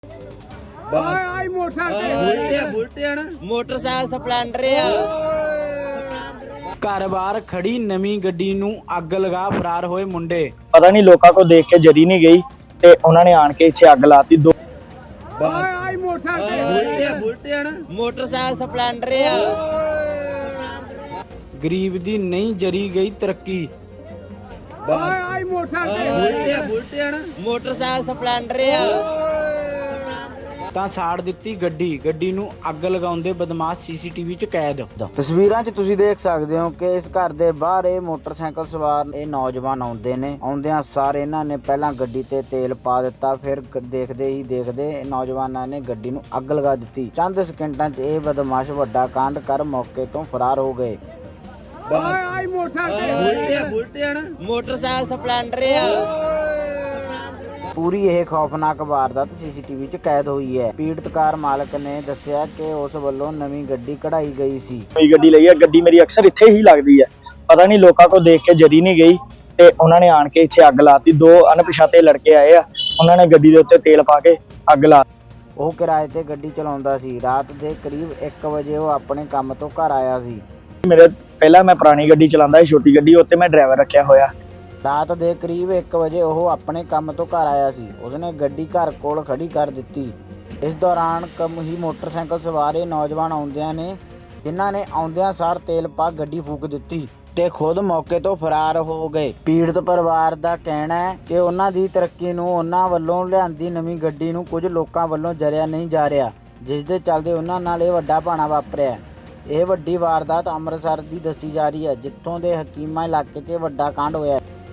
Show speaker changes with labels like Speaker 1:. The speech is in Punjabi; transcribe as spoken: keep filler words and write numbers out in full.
Speaker 1: ਆਈ ਮੋਟਰਸਾਈਕਲ
Speaker 2: ਮੋਟਰਸਾਈਕਲ ਸਪਲੈਂਡਰ ਆ।
Speaker 3: ਘਰ-ਬਾਰ ਖੜੀ ਨਵੀਂ ਗੱਡੀ ਨੂੰ ਅੱਗ ਲਗਾ ਫਰਾਰ ਹੋਏ ਮੁੰਡੇ।
Speaker 4: ਪਤਾ ਨਹੀਂ ਲੋਕਾਂ ਕੋ ਦੇਖ ਕੇ ਜਰੀ ਨਹੀਂ ਗਈ ਤੇ ਉਹਨਾਂ ਨੇ ਆਣ ਕੇ ਇੱਥੇ ਅੱਗ ਲਾਤੀ। ਦੋ
Speaker 1: ਆਈ ਮੋਟਰਸਾਈਕਲ
Speaker 2: ਮੋਟਰਸਾਈਕਲ ਸਪਲੈਂਡਰ ਆ।
Speaker 3: ਗਰੀਬ ਦੀ ਨਹੀਂ ਜਰੀ ਗਈ ਤਰੱਕੀ।
Speaker 1: ਆਈ ਮੋਟਰਸਾਈਕਲ
Speaker 2: ਮੋਟਰਸਾਈਕਲ ਸਪਲੈਂਡਰ ਆ।
Speaker 3: ਤਾਂ ਸਾੜ ਦਿੱਤੀ ਗੱਡੀ ਗੱਡੀ ਨੂੰ ਅੱਗ ਲਗਾਉਂਦੇ ਬਦਮਾਸ਼ ਸੀਸੀਟੀਵੀ 'ਚ ਕੈਦ।
Speaker 5: ਤਸਵੀਰਾਂ 'ਚ ਤੁਸੀਂ ਦੇਖ ਸਕਦੇ ਹੋ ਕਿ ਇਸ ਘਰ ਦੇ ਬਾਹਰ ਇਹ ਮੋਟਰਸਾਈਕਲ ਸਵਾਰ ਇਹ ਨੌਜਵਾਨ ਆਉਂਦੇ ਨੇ। ਆਉਂਦਿਆਂ ਸਾਰ ਇਹਨਾਂ ਨੇ ਪਹਿਲਾਂ ਗੱਡੀ ਤੇ ਤੇਲ ਪਾ ਦਿੱਤਾ, ਫਿਰ ਦੇਖਦੇ ਹੀ ਦੇਖਦੇ ਨੌਜਵਾਨਾਂ ਨੇ ਗੱਡੀ ਨੂੰ ਅੱਗ ਲਗਾ ਦਿੱਤੀ। ਚੰਦ ਸਕਿੰਟਾਂ 'ਚ ਇਹ ਬਦਮਾਸ਼ ਵੱਡਾ ਕਾਂਡ ਕਰ ਮੌਕੇ ਤੋਂ ਫਰਾਰ ਹੋ ਗਏ।
Speaker 1: ਆਈ ਮੋਟਰਸਾਈਕਲ
Speaker 2: ਮੋਟਰਸਾਈਕਲ ਸਪਲੈਂਡਰ ਆ।
Speaker 5: ਪੂਰੀ ਇਹ ਖੌਫਨਾਕ ਵਾਰਦਾਤ ਸੀਸੀਟੀਵੀ 'ਚ ਕੈਦ ਹੋਈ ਹੈ। ਪੀੜਤ ਕਾਰ ਮਾਲਕ ਨੇ ਦੱਸਿਆ ਕਿ ਉਸ ਵੱਲੋਂ ਨਵੀਂ ਗੱਡੀ ਕਢਾਈ ਗਈ ਸੀ।
Speaker 4: ਕੋਈ ਗੱਡੀ ਲਈ ਹੈ, ਗੱਡੀ ਮੇਰੀ ਅਕਸਰ ਇੱਥੇ ਹੀ ਲੱਗਦੀ ਹੈ। ਪਤਾ ਨਹੀਂ ਲੋਕਾਂ ਕੋ ਦੇਖ ਕੇ ਜਰੀ ਨਹੀਂ ਗਈ ਤੇ ਉਹਨਾਂ ਨੇ ਆਣ ਕੇ ਇੱਥੇ ਅੱਗ ਲਾਤੀ। ਦੋ ਅਣਪਛਾਤੇ ਲੜਕੇ ਆਏ ਆ, ਉਹਨਾਂ ਨੇ ਗੱਡੀ ਦੇ ਉੱਤੇ ਤੇਲ ਪਾ ਕੇ ਅੱਗ ਲਾ।
Speaker 5: ਉਹ ਕਿਰਾਏ ਤੇ ਗੱਡੀ ਚਲਾਉਂਦਾ ਸੀ। ਰਾਤ ਦੇ ਕਰੀਬ ਇੱਕ ਵਜੇ ਉਹ ਆਪਣੇ ਕੰਮ ਤੋਂ ਘਰ ਆਇਆ ਸੀ।
Speaker 4: ਮੇਰੇ ਪਹਿਲਾਂ ਮੈਂ ਪੁਰਾਣੀ ਗੱਡੀ ਚਲਾਉਂਦਾ ਸੀ, ਛੋਟੀ ਗੱਡੀ, ਉੱਤੇ ਮੈਂ ਡਰਾਈਵਰ ਰੱਖਿਆ ਹੋਇਆ।
Speaker 5: ਰਾਤ ਦੇ ਕਰੀਬ ਇੱਕ ਵਜੇ ਉਹ ਆਪਣੇ ਕੰਮ ਤੋਂ ਘਰ ਆਇਆ ਸੀ। ਉਸਨੇ ਗੱਡੀ ਘਰ ਕੋਲ ਖੜੀ ਕਰ ਦਿੱਤੀ। ਇਸ ਦੌਰਾਨ ਕਮ ਹੀ ਮੋਟਰਸਾਈਕਲ ਸਵਾਰੇ ਨੌਜਵਾਨ ਆਉਂਦਿਆਂ ਨੇ ਜਿਨ੍ਹਾਂ ਨੇ ਆਉਂਦਿਆਂ ਸਾਰ ਤੇਲ ਪਾ ਗੱਡੀ ਫੂਕ ਦਿੱਤੀ ਤੇ ਖੁਦ ਮੌਕੇ ਤੋਂ ਫਰਾਰ ਹੋ ਗਏ। ਪੀੜਤ ਪਰਿਵਾਰ ਦਾ ਕਹਿਣਾ ਹੈ ਕਿ ਉਹਨਾਂ ਦੀ ਤਰੱਕੀ ਨੂੰ ਉਹਨਾਂ ਵੱਲੋਂ ਲਿਆਂਦੀ ਨਵੀਂ ਗੱਡੀ ਨੂੰ ਕੁਝ ਲੋਕਾਂ ਵੱਲੋਂ ਜਰਿਆ ਨਹੀਂ ਜਾ ਰਿਹਾ, ਜਿਸ ਦੇ ਚੱਲਦੇ ਉਹਨਾਂ ਨਾਲ ਇਹ ਵੱਡਾ ਭਾਣਾ ਵਾਪਰਿਆ। ਇਹ ਵੱਡੀ ਵਾਰਦਾਤ ਅੰਮ੍ਰਿਤਸਰ ਦੀ ਦੱਸੀ ਜਾ ਰਹੀ ਹੈ, ਜਿੱਥੋਂ ਦੇ ਹਕੀਮਾ ਇਲਾਕੇ 'ਚ ਵੱਡਾ ਕਾਂਡ ਹੋਇਆ ਹੈ।